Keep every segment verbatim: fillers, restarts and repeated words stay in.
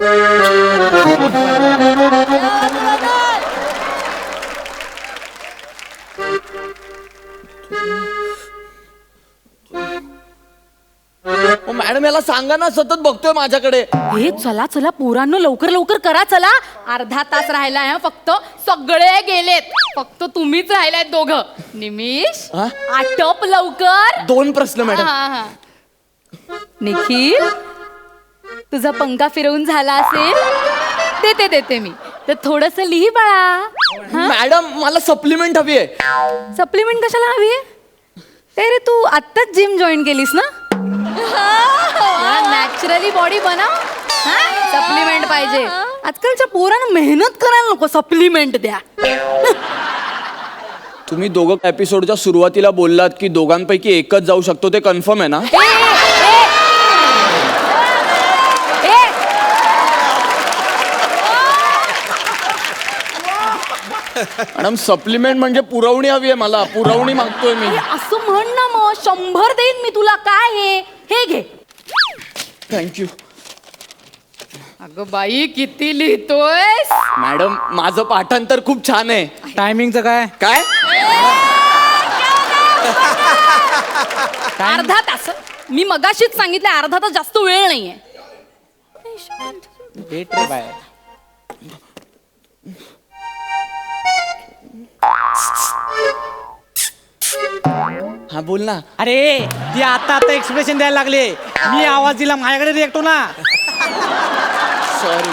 Madam याला सांगा ना, सतत बघतोय माझ्याकडे. हे चला चला पोरांनो, लवकर लवकर करा चला. अर्धा तास राहिला आहे फक्त. सगळे गेलेत, फक्त तुम्हीच राहिलाय दोघं. निमिष हा? आटप लवकर. दोन प्रश्न मॅडम. हा, हा. निखिल, तुझा पंखा फिरवून झाला असेल, देते देते मी. तर थोडस लिही बाळा. मॅडम मला सप्लिमेंट हवी आहे. सप्लिमेंट कशाला हवी आहे? ते रे तू आत्ताच जिम जॉईन केलीस ना? नॅचरली बॉडी बनव. सप्लिमेंट पाहिजे. आजकालच्या पोरांना मेहनत करायला नको, सप्लिमेंट द्या. तुम्ही दोघं एपिसोडच्या सुरुवातीला बोललात की दोघांपैकी एकच जाऊ शकतो, ते कन्फर्म आहे ना? मॅडम सप्लिमेंट म्हणजे पुरवणी हवी आहे मला. पुरवणी मागतोय मी. असं म्हण ना मग. शंभर देईन मी तुला. काय हे हे घे. थँक्यू. अगं बाई, किती लिहितोय. मॅडम माझं पाठांतर खूप छान आहे. टायमिंगचं काय? काय अर्धा तास? मी मगाशीच सांगितलं अर्धा तास जास्त वेळ नाहीये. भेट रे बाय. हा बोल ना. अरे ती आता आता एक्सप्रेशन द्यायला लागले. मी आवाज दिला, माझ्याकडे रिएक्ट हो ना. सॉरी.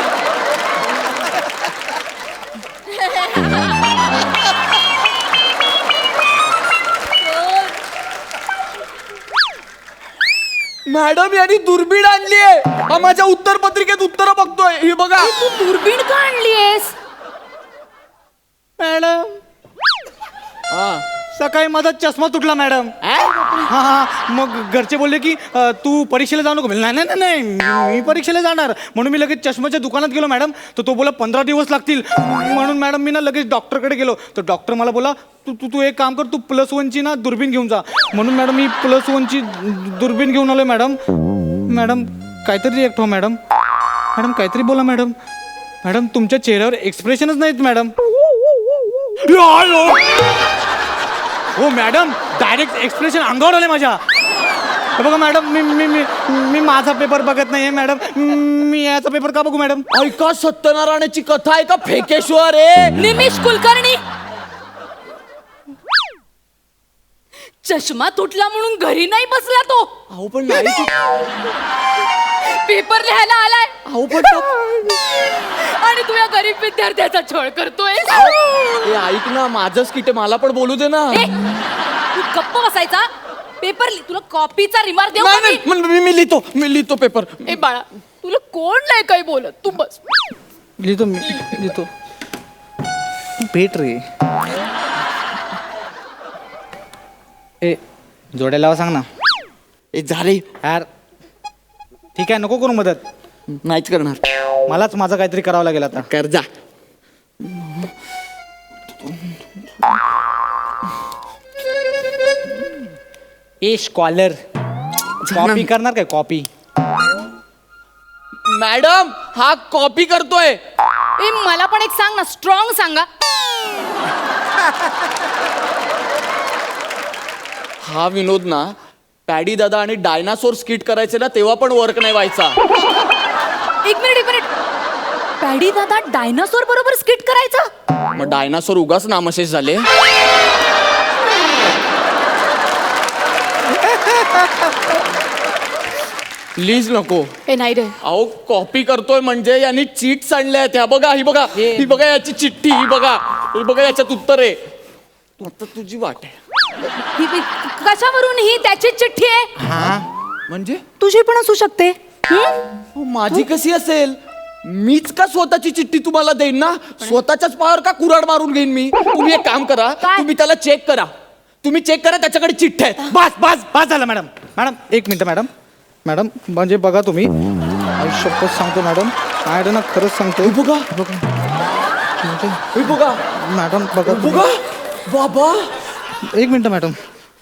मॅडम यांनी दुर्बीण आणली आहे. माझ्या उत्तर पत्रिकेत उत्तर बघतोय. ही बघा. तू दुर्बीण का आणलीयस? मॅडम हा सकाळी माझा चष्मा तुटला मॅडम. हा हा मग घरचे बोलले की अ, तू परीक्षेला जाऊ नको. नाही नाही नाही मी परीक्षेला जाणार. म्हणून मी लगेच चष्म्याच्या दुकानात गेलो मॅडम. तर तो बोला पंधरा दिवस लागतील. म्हणून मॅडम मी ना लगेच डॉक्टरकडे गेलो. तर डॉक्टर मला बोला तू तू तू एक काम कर, तू प्लस वनची ना दुर्बीण घेऊन जा. म्हणून मॅडम मी प्लस वनची दुर्बीण घेऊन आलो मॅडम. मॅडम काहीतरी रिएक्ट हो मॅडम. मॅडम काहीतरी बोला मॅडम. मॅडम तुमच्या चेहऱ्यावर एक्सप्रेशनच नाहीत मॅडम. हो मॅडम, डायरेक्ट एक्सप्रेशन अंगावर आले माझ्या. हे बघा मॅडम, मी मी मी मी माझा पेपर बघत नाहीये मॅडम. मी याचा पेपर का बघू मॅडम? ऐका, सत्यनारायणाची कथा आहे का फेकेश्वर आहे? निमिष कुलकर्णी, चष्मा तुटला म्हणून घरी नाही बसला तो. अहो पण नाही तू- पेपर लिहायला आलाय. अहो पण तो- आणि तू या गरीब विद्यार्थ्याचा छळ करतोय. ए, ऐक ना, माझंच किटे, मला पण बोलू दे ना. ए, तू गप्प बसायचा. पेपर लिह. तुला कॉपीचा रिमार्क देऊ नाही, का मी? नाही, मी मी लिहितो मी लिहितो पेपर. ए बाळा, तुला कोण नाही काही बोलत. तू बस. लिहितो मी लिहितो. भेट रे. ए जोड्या लावा सांग ना. ए झाले. यार ठीक आहे, नको करू मदत. नाहीच करणार. मलाच माझं काहीतरी करावं लागेल आता. कर जा. ए स्कॉलर, कॉपी करणार काय? कॉपी. मॅडम हा कॉपी करतोय. ए मला पण एक सांग ना, स्ट्रॉंग सांगा. हा विनोद ना, पॅडी दादा आणि डायनासोर स्किट करायचे ना, तेव्हा पण वर्क नाही व्हायचा. एक मिनिट एक मिनिट. पॅडी दादा डायनासोर बरोबर स्किट करायचा? मग डायनासोर उगाच नामशेष झाले. प्लीज नको. ए नाही रे. अहो कॉपी करतोय म्हणजे यांनी चीट आणल्या आहेत. ह्या बघा, ही बघा, ही बघा याची चिठ्ठी, ही बघा, ही बघा याच्यात उत्तर आहे. आता तुझी वाट आहे. ही- ही- कशावरून ही त्याची चिठ्ठी आहे? हा म्हणजे तुझी पण असू शकते. अहो, माझी कशी असेल? मीच का स्वतःची चिठ्ठी तुम्हाला देईन ना? स्वतःच्याच पायावर का कुऱ्हाड मारून घेईन मी? तुम्ही एक काम करा, काय? तुम्ही त्याला चेक करा. तुम्ही चेक करा, त्याच्याकडे चिठ्ठ्या आहेत. बस बस बस झालं मॅडम. मॅडम एक मिनिट मॅडम. मॅडम म्हणजे बघा तुम्ही, शपथ सांगतो मॅडम, मॅडम ना खरंच सांगतो. हे बघा, हे बघा, मॅडम बघा बघा बाबा. एक मिनिट मॅडम.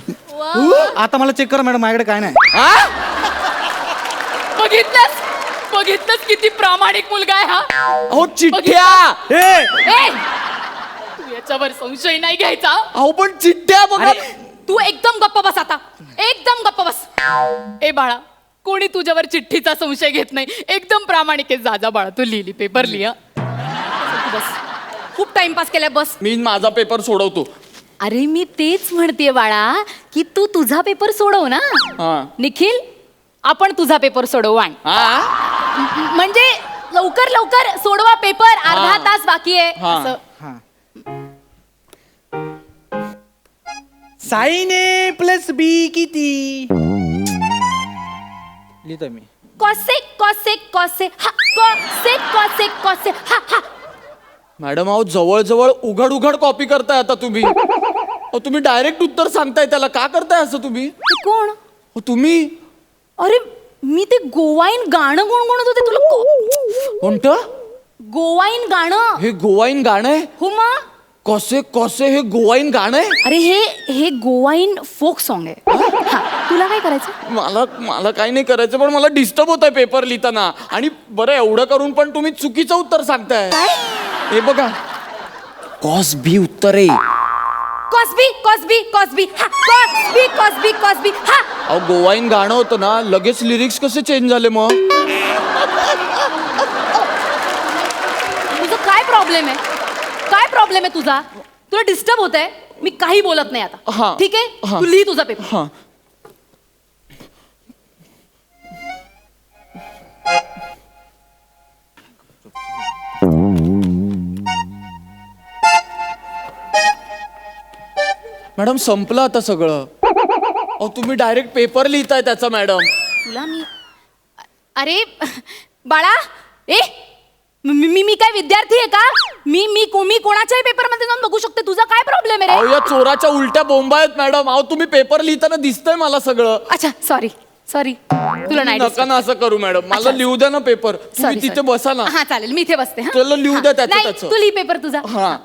आता मला चेक करा मॅडम, माझ्याकडे काय नाही. हा? बघितलंस? बघितलंच किती प्रामाणिक मुलगा आहे हा. अहो चिठ्ठ्या. ए ए तू याच्यावर संशय नाही घ्यायचा. अहो पण चिठ्ठ्या बघा. अरे तू एकदम गप्प बस आता, एकदम गप्प बस. ए बाळा, कोणी तुझ्यावर चिठ्ठीचा संशय घेत नाही. एकदम प्रामाणिक आहे. जा जा बाळा, तू लिहिली पेपर लिहा. बस, खूप टाइमपास केलाय, बस. मी माझा पेपर सोडवतो. अरे मी तेच म्हणतेय बाळा की तू तुझा पेपर सोडव ना. हा. निखिल, आपण तुझा पेपर सोडवू. आण हा म्हणजे लवकर लवकर सोडवा पेपर. अर्धा हा. तास बाकी आहे. हा. असं. हा साईन ए प्लस बी किती लिहितो मी. कॉसे कॉसे कॉसे हा कॉसे कॉसे कॉसे हा हा. मॅडम अहो जवळ जवळ उघड उघड कॉपी करताय आता तुम्ही. अहो तुम्ही डायरेक्ट उत्तर सांगताय त्याला. का करताय असं तुम्ही? ते कोण? अहो, तुम्ही अरे मी ते गोवाईन गाणं गुणगुणत होते. तुला को- कोणतं गोवाईन गाणं. हे गोवाईन गाणं आहे? हो मग. कसे कसे हे गोवाईन गाणं आहे? अरे हे हे गोवाईन फोक सॉन्ग आहे. हा, तुला काय करायचं? मला मला काही नाही करायचं, पण मला डिस्टर्ब होत आहे पेपर लिहिताना. आणि बरं एवढं करून पण तुम्ही चुकीचं उत्तर सांगताय. काय? हे बघा, कॉस बी उत्तर आहे. कॉस्बी कॉस्बी कॉस्बी हा कॉस्बी कॉस्बी कॉस्बी हा. अहो गोवाईन गाणं होतं ना, लगेच लिरिक्स कसे चेंज झाले मग? तुझं काय प्रॉब्लेम आहे? काय प्रॉब्लेम आहे तुझा? तुला डिस्टर्ब होत आहे? मी काही बोलत नाही हा. आता. ठीक आहे, हा. तू लिही तुझा पेपर. हा. मॅडम संपलं आता सगळं. अहो तुम्ही डायरेक्ट पेपर लिहिताय त्याचा मॅडम. तुला मी अरे बाळा, ए मी मी मी काय विद्यार्थी आहे का? मी मी को मी कोणाच्याही पेपर मध्ये जाऊन बघू शकते. तुझा काय प्रॉब्लेम आहे अहो रे? या चोराच्या उलट्या बोंबा आहेत मॅडम. अहो तुम्ही पेपर लिहिताना दिसतंय मला सगळं. अच्छा सॉरी सॉरी, तुला नाही नका ना असं करू मॅडम. मला अच्छा. लिहू द्या ना पेपर. तुम्ही Sorry, तिथे sorry. बसा ना. हा चालेल, मी इथे बसते. हा? त्याला लिहू हा. द्या त्याचं नाही, त्याचं. तू लिही पेपर तुझा. हा.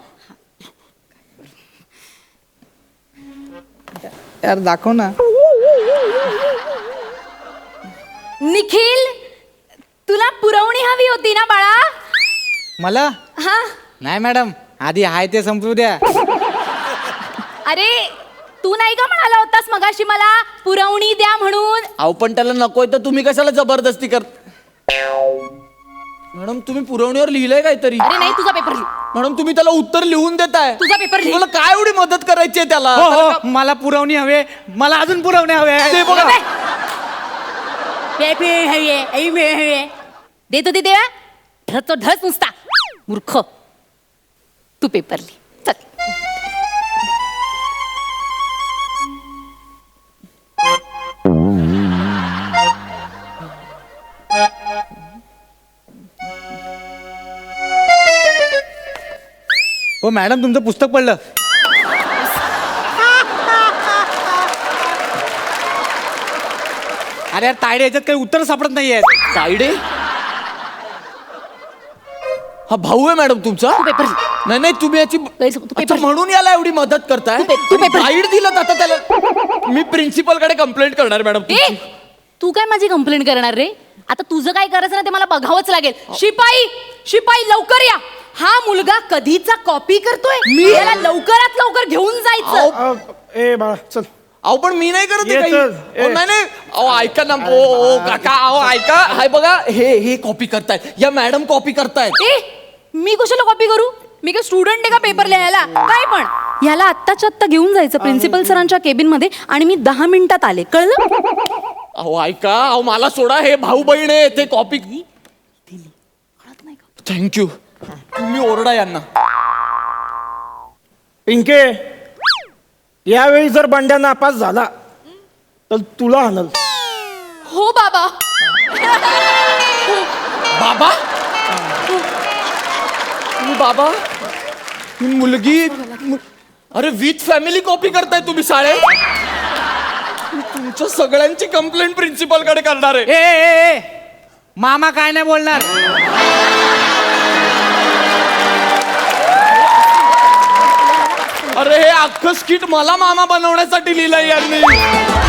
यार दाखव ना. निखिल, तुला पुरवणी हवी होती ना बाळा? मला हा. नाही मॅडम, आधी हाय ते संपू द्या. अरे तू नाही का म्हणाला होतास मगाशी मला पुरवणी द्या म्हणून? अहो पण त्याला नकोय तर तुम्ही कशाला जबरदस्ती कर? मॅडम तुम्ही पुरवणीवर लिहिलंय काहीतरी. अरे नाही, तुझा पेपर लिही. मॅडम तुम्ही त्याला उत्तर लिहून देताय. तुझा पेपर लिही. तुम्हाला काय एवढी मदत करायची आहे त्याला? हो त्याला हो, का- मला पुरवणी हवे. मला अजून पुरवणी हवे. ते बघा. पेपर हवी आहे, आई पेपर हवी आहे. देतो ते देवा. ढस तो ढस नुसता. मूर्ख. तू पेपर लिही. चल. हो मॅडम, तुमचं पुस्तक पडलं. अरे यार तायडे, याच्यात काही उत्तर सापडत नाहीये. तायडे? हा भाऊ आहे मॅडम तुमचा? तू पेपर लिही. नाही नाही तुम्ही याची गैरसमज, तू अच्छा, पेपर- म्हणून याला एवढी मदत करताय. तू पे- तू पेपर- गाईड दिलं आता त्याला. मी प्रिन्सिपल कडे कंप्लेंट करणार मॅडम ए तुमची. तू काय माझी कंप्लेंट करणार रे? आता तुझं काय करायचं ना ते मला बघावंच लागेल. शिपाई शिपाई लवकर या. हा मुलगा कधीचा कॉपी करतोय. मी? त्याला लवकरात लवकर घेऊन जायचं. अहो, ए बाळा चल. अहो पण मी नाही करत आहे ये काही. चल, ए. अहो, नाही नाही अहो ऐका ना. ओ ओ काका अहो ऐका. हाय बघा हे हे कॉपी करतायत. या मॅडम कॉपी करतायत. ए मी कशाला कॉपी करू? मी काय स्टुडंट आहे का पेपर लिहायला? काय पण ह्याला आत्ताच्या आत्ता घेऊन जायचं प्रिन्सिपल सरांच्या केबिन मध्ये. आणि मी दहा मिनिटात आले, कळलं? अहो ऐका. अहो मला सोडा. हे भाऊ बहीण आहे ते कॉपी. थँक्यू. तुम्ही ओरडा यांना. पिंके, यावेळी जर बंड्या नापास झाला तर तुला आणल. हो बाबा. बाबा तुम्ही बाबा ही मुलगी मु- अरे विथ फॅमिली कॉपी करताय तुम्ही शाळेत. मी तुमच्या सगळ्यांची कंप्लेंट प्रिन्सिपल कडे करणार आहे. ए, ए, ए, मामा काय नाही बोलणार. अरे हे अख्खं स्किट मला मामा बनवण्यासाठी लिहिलंय यांनी.